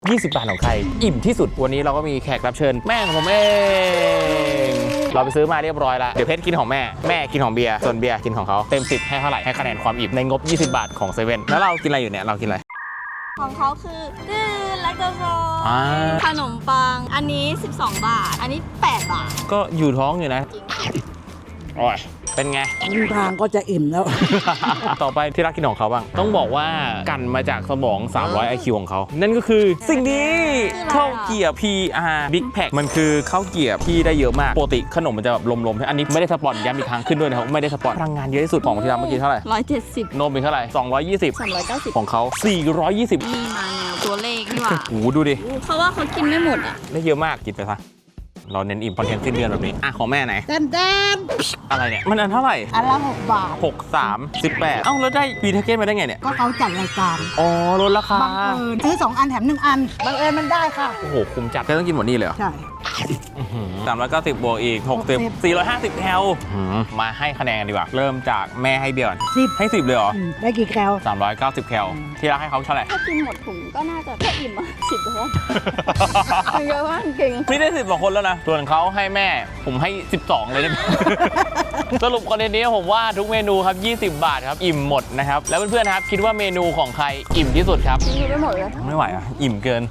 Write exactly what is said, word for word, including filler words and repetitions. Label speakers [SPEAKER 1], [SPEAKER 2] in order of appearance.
[SPEAKER 1] ยี่สิบบาทของใครอิ่มที่สุดวันนี้เราก็มีแขกรับเชิญแม่ของผมเองเราไปซื้อมาเรียบร้อยแล้วเดี๋ยวเพชรกินของแม่แม่กินของเบียร์ส่วนเบียร์กินของเขาเต็มสิบให้เท่าไหร่ให้คะแนนความอิ่มในงบยี่สิบบาทของเซเว่นแล้วเรากินอะไรอยู่เนี่ยเรากินอะไร
[SPEAKER 2] ของเขาคือดื้อแลคโตโซขนมปังอันนี้สิบสองบาทอันนี้แปดบาท
[SPEAKER 1] ก็อยู่ท้องอยู่นะโอ้ยเป็นไง
[SPEAKER 3] ครึ่งทางก็จะอิ่มแล้ว
[SPEAKER 1] ต่อไปที่รักกินของเขาบ้างต้องบอกว่ากันมาจากสมองสามร้อย ไอ คิว ของเขานั่นก็คือสิ่งนี้ข้าวเกรี๊ยว พี อาร์ Big Pack มันคือข้าวเกรี๊ยวที่ได้เยอะมากปกติขนมมันจะแบบลมๆอันนี้ไม่ได้สปอนย้ำอีกครั้งขึ้นด้วยนะครับไม่ได้สปอนพลังงานเยอะที่สุดของที่ทำเมื่อกี้เท่าไหร่
[SPEAKER 2] ร้อยเจ็ดสิบ
[SPEAKER 1] นมเป็นเท่าไหร่สองร้อยยี่สิบ
[SPEAKER 2] สามร้อยเก้าสิบ
[SPEAKER 1] ของเขาสี่ร้อยยี่สิบ
[SPEAKER 2] มีมาแนวตัวเลขนี่หว่า
[SPEAKER 1] โอ้ดูดิ
[SPEAKER 2] เพราะว่าเขากินไม่หมดอ่ะ
[SPEAKER 1] ได้เยอะมากกินไปซะเราเน้นอิ่มคอนเทนต์สิ้นเดือนแบบนี้อ่ะของแม่ไหน
[SPEAKER 3] แดนแดน
[SPEAKER 1] อะไรเนี่ยมันอันเท่าไหร่
[SPEAKER 3] อันละหกบาท
[SPEAKER 1] หก สาม สิบแปดเอ้าแล้วได้ปีเทเก้นมาได้ไงเนี่ย
[SPEAKER 3] ก็เขาจัดรายการ
[SPEAKER 1] อ๋อลดราคา
[SPEAKER 3] บังเอิญซื้อสองอันแถมหนึ่งอันบังเอิญมันได้ค่ะ
[SPEAKER 1] โอ้โหคุ้มจัดจะต้องกินหมดนี่เลยเหรอ
[SPEAKER 3] ใช่
[SPEAKER 1] สามร้อยเก้าสิบบวกอีกหกสิบ สี่ร้อยห้าสิบแคลมาให้คะแนนกันดีกว่าเริ่มจากแม่ให้เบียร์
[SPEAKER 3] สิบ
[SPEAKER 1] ให้สิบเลยเหรอ
[SPEAKER 3] ได้กี่แคล
[SPEAKER 1] สามร้อยเก้าสิบแคลที่รักให้เขาเท่าไหร่
[SPEAKER 2] ถ้ากินหมดถุงก็น่าจะแค่อิ่มอ่ะสิบแล้วเยอะมากเก่ง
[SPEAKER 1] นี่ได้สิบกว่าคนแล้วนะส่วนเขาให้แม่ผมให้สิบสองเลยได้ไหม สรุปคอนเทนต์นี้ผมว่าทุกเมนูครับยี่สิบบาทครับอิ่มหมดนะครับแล้วเพื่อนๆครับคิดว่าเมนูของใครอิ่มที่สุดครับ
[SPEAKER 2] กินไม่หมดเลย
[SPEAKER 1] ไม่ไหวอ่ะอิ่มเกิน